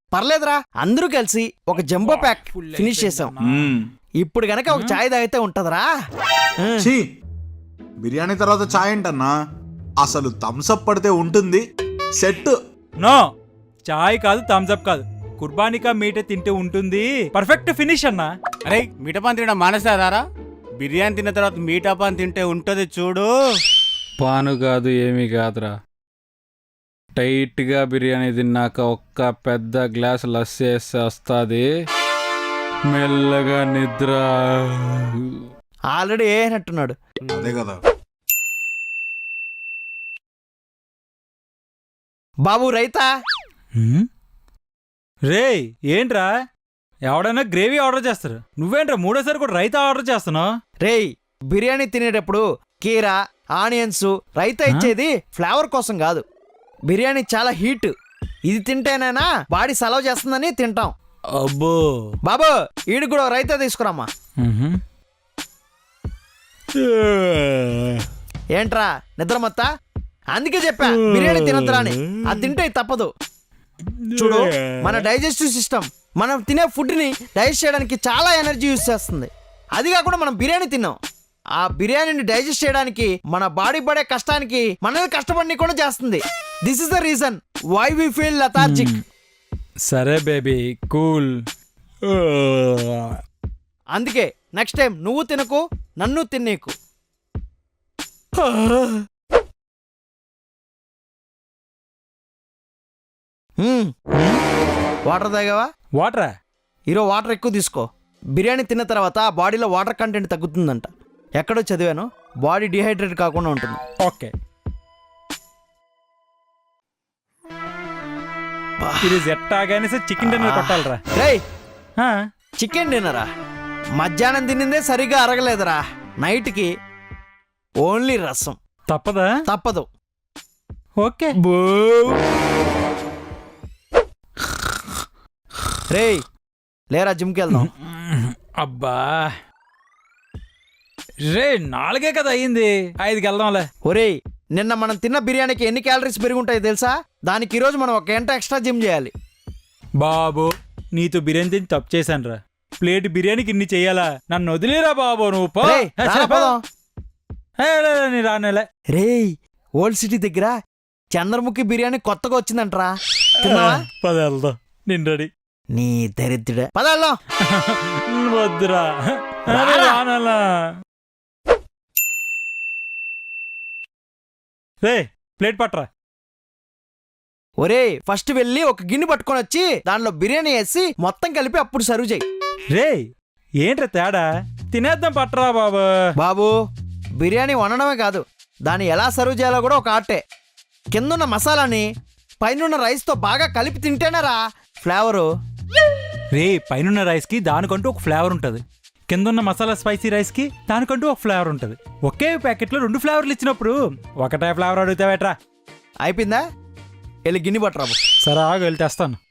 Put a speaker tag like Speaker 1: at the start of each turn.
Speaker 1: పర్లేదురా, అందరూ కలిసి ఒక జంబో ప్యాక్ ఫినిష్ చేసాం. ఇప్పుడు గనక ఒక చాయ్ తాగితే ఉంటదరా.
Speaker 2: ఛీ, బిర్యానీ తర్వాత చాయ్ ఏంటన్నా? అసలు థమ్స్అప్ పడితే ఉంటుంది సెట్.
Speaker 3: నో, చాయ్ కాదు థమ్స్అప్ కాదు, కుర్బానికా మీట తింటే ఉంటుంది పర్ఫెక్ట్ ఫినిష్ అన్నా.
Speaker 4: అరే మీటపాన్ తినడం మానేస్తారా? బిర్యానీ తిన్న తర్వాత మీటపాన్ తింటే ఉంటది చూడు.
Speaker 5: పాను కాదు ఏమీ కాదురా, టైట్గా బిర్యానీ తిన్నాక ఒక్క పెద్ద గ్లాస్ లస్సీ వేస్తే వస్తుంది మెల్లగా నిద్ర.
Speaker 1: ఆల్రెడీ ఏనట్టున్నాడు.
Speaker 2: అదే కదా.
Speaker 1: బాబు రైతా.
Speaker 3: రే ఏంట్రా, ఎవడైనా గ్రేవీ ఆర్డర్ చేస్తారు, నువ్వేంట్రా మూడోసారి కూడా రైతా ఆర్డర్ చేస్తున్నావు?
Speaker 1: రేయ్, బిర్యానీ తినేటప్పుడు కీరా, ఆనియన్స్, రైతా ఇచ్చేది ఫ్లేవర్ కోసం కాదు. బిర్యానీ చాలా హీట్, ఇది తింటేనైనా బాడీ సలవ్ చేస్తుందని తింటాం.
Speaker 3: అబ్బో.
Speaker 1: బాబు ఈడు కూడా రైతా తీసుకురామ్మా. ఏంట్రా నిద్ర మొత్తా? అందుకే చెప్పా బిర్యానీ తినద్దురా అని. అది తింటే తప్పదు. చూడు, మన డైజెస్టివ్ సిస్టమ్ మనం తినే ఫుడ్ని డైజెస్ట్ చేయడానికి చాలా ఎనర్జీ యూజ్ చేస్తుంది. అది కాకుండా మనం బిర్యానీ తిన్నాం, ఆ బిర్యానీని డైజెస్ట్ చేయడానికి మన బాడీ పడే కష్టానికి మనల్ని కష్టపడి కూడా చేస్తుంది. This is the reason why we feel lethargic.
Speaker 3: సరే బేబీ, కూల్.
Speaker 1: అందుకే నెక్స్ట్ టైం నువ్వు తినకు, నన్ను తినేకు. వాటర్ తాగావా?
Speaker 3: వాటరా?
Speaker 1: ఈరోజు వాటర్ ఎక్కువ తీసుకో. బిర్యానీ తిన్న తర్వాత బాడీలో వాటర్ కంటెంట్ తగ్గుతుందంట. ఎక్కడో చదివాను, బాడీ డిహైడ్రేట్ కాకుండా ఉంటుంది.
Speaker 3: ఓకే. ఇది ఎట్టాగానే చికెన్ డిన్నర్ కొట్టాలరా.
Speaker 1: రేయ్, చికెన్ డిన్నరా? మధ్యాహ్నం తినిందే సరిగ్గా అరగలేదురా. నైట్కి ఓన్లీ రసం.
Speaker 3: తప్పదా?
Speaker 1: తప్పదు.
Speaker 3: ఓకే.
Speaker 1: రేయ్ లేరా, జిమ్కి వెళ్దాం.
Speaker 3: అబ్బా రే, 4 కదా అయ్యింది, 5కి వెళ్దాంలే.
Speaker 1: ఒరేయ్, నిన్న మనం తిన్న బిర్యానీకి ఎన్ని క్యాలరీస్ పెరుగుంటాయి తెలుసా? దానికి ఈరోజు మనం 1 గంట ఎక్స్ట్రా జిమ్ చేయాలి.
Speaker 3: బాబు, నీతో బిర్యానీ తిని తప్పు చేశానురా. ప్లేట్ బిర్యానీకి ఇన్ని చెయ్యాలా? నన్ను వదిలేరా బాబు, నువ్వు పో.
Speaker 1: రేయ్, రారా పోదాం.
Speaker 3: నీ రానేలే.
Speaker 1: రేయ్, ఓల్డ్ సిటీ దగ్గర చంద్రముఖి బిర్యానీ కొత్తగా వచ్చిందంటరా. తిన్నావా?
Speaker 3: పద వెళ్దాం, నేను రెడీ.
Speaker 1: నీ దరిద్రుడే, పదాల్లో.
Speaker 3: వద్దురా, రానలా. రే ప్లేట్ పట్టరా.
Speaker 1: ఒరేయ్, ఫస్ట్ వెళ్ళి ఒక గిన్నె పట్టుకొని వచ్చి దానిలో బిర్యానీ వేసి మొత్తం కలిపి అప్పుడు సర్వ్ చేయి.
Speaker 3: రే ఏంట్రా తేడా? తినేద్దాం పట్టరా బాబు.
Speaker 1: బాబు, బిర్యానీ వండడమే కాదు, దాన్ని ఎలా సర్వ్ చేయాలో కూడా ఒక ఆర్టే. కిందున్న మసాలాని పైనున్న రైస్తో బాగా కలిపి తింటేనేరా ఫ్లేవరు.
Speaker 3: రే, పైనున్న రైస్కి దానికంటూ ఒక ఫ్లేవర్ ఉంటుంది, కిందున్న మసాలా స్పైసీ రైస్కి దానికంటూ ఒక ఫ్లేవర్ ఉంటుంది. ఒకే ప్యాకెట్లో 2 ఫ్లేవర్లు ఇచ్చినప్పుడు ఒకటే ఫ్లేవర్ అడుగుతావేట్రా?
Speaker 1: అయిపోయిందా? వెళ్ళి గిన్నె పట్టరాబు.
Speaker 3: సరే ఆగు, వెళ్ళి తెస్తాను.